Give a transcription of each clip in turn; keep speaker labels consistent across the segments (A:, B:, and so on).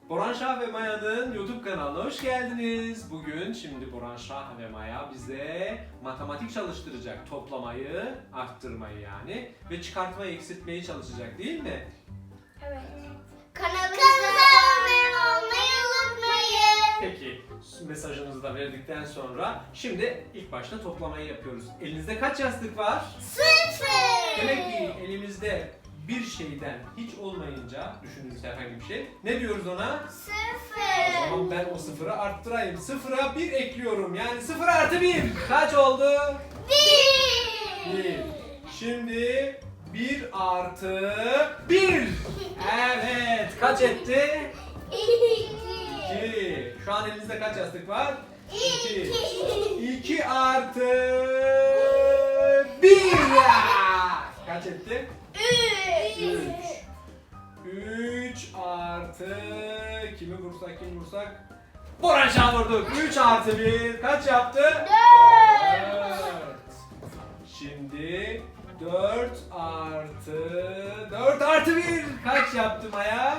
A: Boran Şah ve Maya'nın YouTube kanalına hoş geldiniz. Bugün şimdi Boran Şah ve Maya bize matematik çalıştıracak. Toplamayı, arttırmayı yani ve çıkartmayı, eksiltmeyi çalışacak değil mi?
B: Evet. Kanalımıza abone olmayı unutmayın.
A: Peki mesajınızı da verdikten sonra şimdi ilk başta toplamayı yapıyoruz. Elinizde kaç yastık var?
B: 0.
A: Demek ki elimizde bir şeyden hiç olmayınca düşündüğünüz herhangi bir şey. Ne diyoruz ona?
B: 0.
A: O zaman ben o sıfırı arttırayım. Sıfıra 1 ekliyorum. Yani 0 artı 1. Kaç oldu? 1. Şimdi 1 artı 1. Evet. Kaç etti? 2. Şu an elinizde kaç yastık var? 2. 2 artı 1. Kaç etti? 3 artı kimi vursak Boran Şah'ı vurduk. 3 artı 1 kaç yaptı? 4. Şimdi 4 artı 1 kaç yaptı Maya?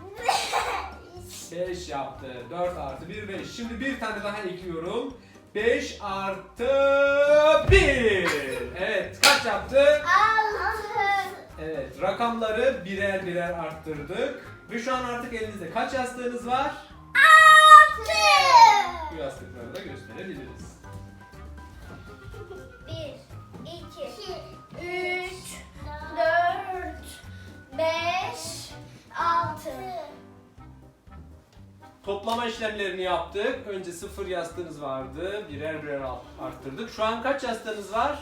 A: 5 yaptı. 4 artı 1 5. Şimdi bir tane daha ekliyorum. 5 artı 1. Evet kaç yaptı?
B: 6.
A: Evet, rakamları birer birer arttırdık ve şu an artık elinizde kaç yastığınız var?
B: 6.
A: Bu yastıkları da gösterebiliriz.
B: 1, 2, 3, 4, 5, 6.
A: Toplama işlemlerini yaptık. Önce 0 yastığınız vardı. Birer birer arttırdık. Şu an kaç yastığınız var?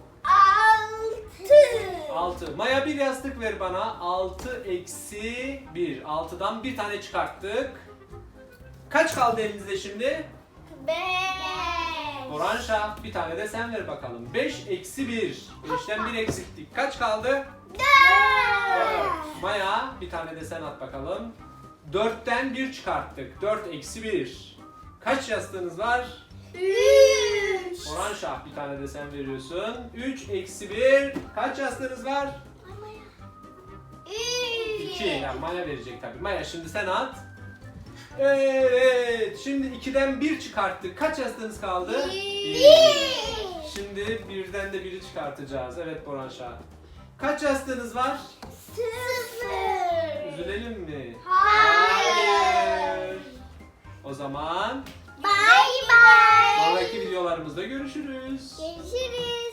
A: 6. Maya bir yastık ver bana. 6 eksi 1. 6'dan bir tane çıkarttık. Kaç kaldı elinizde şimdi?
B: 5.
A: Boran Şah bir tane de sen ver bakalım. 5 eksi 1. 5'ten 1 eksilttik. Kaç kaldı?
B: 4.
A: 4. Maya bir tane de sen at bakalım. 4'ten 1 çıkarttık. 4 eksi 1. Kaç yastığınız var?
B: 3.
A: Boran Şah bir tane de sen veriyorsun. 3 eksi 1. Kaç yastığınız var? 2. Yani Maya verecek tabii. Maya şimdi sen at. Evet. Şimdi 2'den 1 çıkarttık. Kaç yastığınız kaldı? 1. Şimdi 1'den de 1'i çıkartacağız. Evet Boran Şah. Kaç yastığınız var?
B: 0.
A: Üzülelim mi?
B: Hayır.
A: O zaman
B: Bye bye.
A: sonraki videolarımızda görüşürüz.
B: Görüşürüz.